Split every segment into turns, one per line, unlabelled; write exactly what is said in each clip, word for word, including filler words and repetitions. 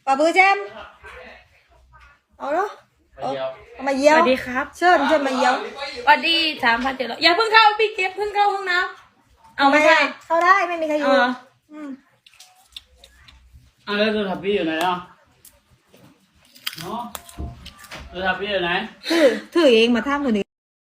ป่าปื้อแจมเอาเนาะเอามาเยี่
ส
ยว
วัสดีครับ
เชิญเชิญมาเยี่ยว
สวัสดีสามพันเจ็ดร้อยอย่าเพิ่งเข้าพี่เก็บเพิ่งเข้าห้องน้ำเอาไม่ใช่
เข้าได้ไม่มีใครอยู่
เออ
อืม
อ่ะแล้วโทรศัพท์พี่อยู่ไหนอ่ะเนาะโทรศัพท์พี่อยู่ไหน
ถือถือเองมาท่ามือหนึ่ง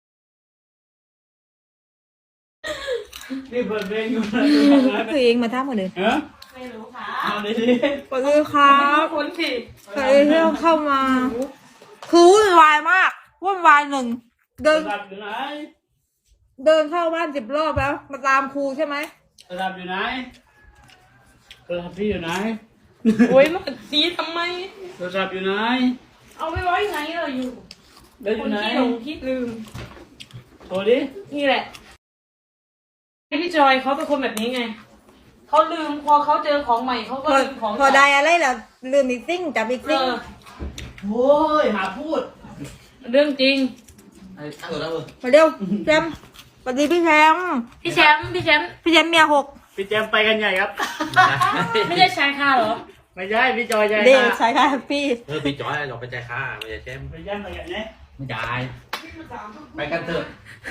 นี่เปิดเพลงอยู่นะ
ถือเองมาท่ามือหนึ่ง
เออ
ไม่รู้ค่ะ
เอาดิดิ
ป่าปื้อครับ
คนสิ
ใครที่เข้ามา คือวุ่นวายมากวุ่นวายหนึ่งเดิ
โทร
น
ศัพท์อยู่ไหน
เดินเข้าบ้านสิบรอบแล้ว มาตามครูใช่ไหม
โทรศัพท์อยู่ไหนโทรศัพท์พี่อยู่ไหน
โอ้ยมาตีทำไม
โทรศัพท์อยู่ไหน
เอาไม่ไว้ไหนเราอยู่
แล้วอ
ค
ยู่
น
ไหน
ที่หลงที่ลืม
โทรดิ
นี่แหละพี่จอยเขาเป็นคนแบบนี้ไงเขาลืมพอเขาเจอของใหม่เขาก็
พอ
ลืมของ
พอได้อะไรแล้วลืมอีกซิ่งจับอีก
เอ
ซิ่ง
อ
โอ้ยหาพูด
เรื่องจริง
ไอ้ตั้งตัวแล้วเออ
มาเร็วแชมป์สวัสดีพี่แชมป์
พี่แชมป์พี่แชมป์
พี่แชมป์เมียหก
พี่แจมไปกันใหญ่ครับ
ไม่ได้ชายคาเหรอ
ไม่ใช่พี่จอยใจ
เด็ก
ค่ะ
ใช่ค่ะพี่
เออพี่จอยเราไปใจค่าไม่ใช่แชมป์
ไปแจมไปกันเนี่ย
ไม่จ่ายไปกันเถอะ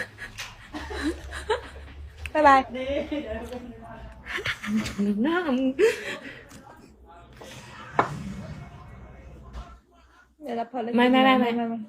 บ๊ายบาย
ดี
หน้ามึง
เดี๋ยวรับพอเลย
ไม่ไม่ไม่ไม่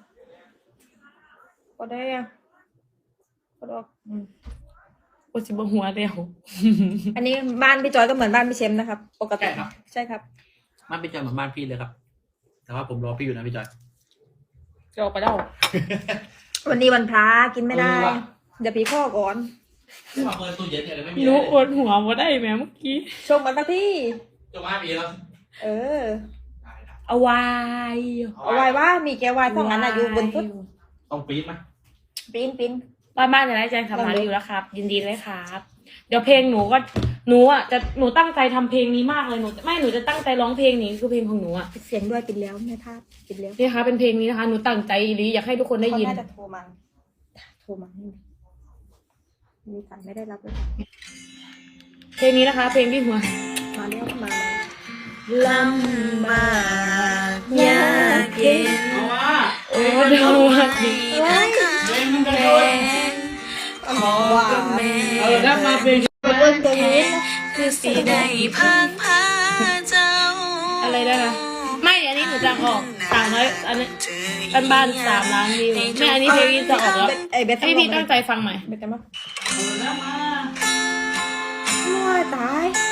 พอได้ยังพอดอก
โอจิบหัวเดียว
อันนี้บ้านพี่จอยก็เหมือนบ้านพี่เชมนะครับ ปกติใช่ครับ
บ้านพี่จอยเหมือนบ้านพี่เลยครับ แต่ว่าผมรอพี่อยู่นะพี่จอย
จะออกไปแล้ว
วันนี้วันพระกินไม่ได้
เออว่ะ
เดี๋ยวพี่ข้อก่อน
ที่มาเปิดตู้เย็นเนี่ยเลยไม่มี
หนู
อะไร
อวดหัวมาได้ไหมเมื่อกี้
ชมกันสักที่
จะมามีแล้ว
เออ
เอาไว้
เอาไว้ว่ามีแก้ววายสองอันอะอยู่บนฟุต
ต้องปี๊ดไหม
ปิ้นปิ้น
บ้านบ้านจะได้แจ้งทำงานอยู่แล้วครับ ยินดีเลยครับ เดี๋ยวเพลงหนูก็หนูอ่ะจะหนูตั้งใจทำเพลงนี้มากเลยหนูไม่หนูจะตั้งใจร้องเพลงนี้คือเพลงของหนูอ่ะ
ปิดเสียงด้วยปิดแล้วแม่ท่าปิดแล้ว
นี่คะเป็นเพลงนี้นะคะหนูตั้งใจหรืออยากให้ทุกคนได้ยิน
เขาน่าจะโทรมาโทรมามีสายไม่ได้รับเลยค่ะ
เพลงนี้นะคะ เพลงที่หัว
มาแล้วมา
ลำบากยากเย็น
เอามา
โอ้ดาวดี
เฮ้ย
เพลงมันกัน
แร
ด้วย
ง
ว้า
เออถ้ามาเพลง
เบิ้ลตัวนี้นะ
คือสีได้พังพาเจ้าอะไรได้นะไม่อันนี้หนูจะออกสามร้อยอันนี้บ้านบ้านสามล้านวิวไม่อันนี้เพลงนี้จะออกแล้ว
ไอ้เบส
ให้พี่ตั้งใจฟังใหม่
เบสจะมา
เอาแล้วมา
โอ้ยตาย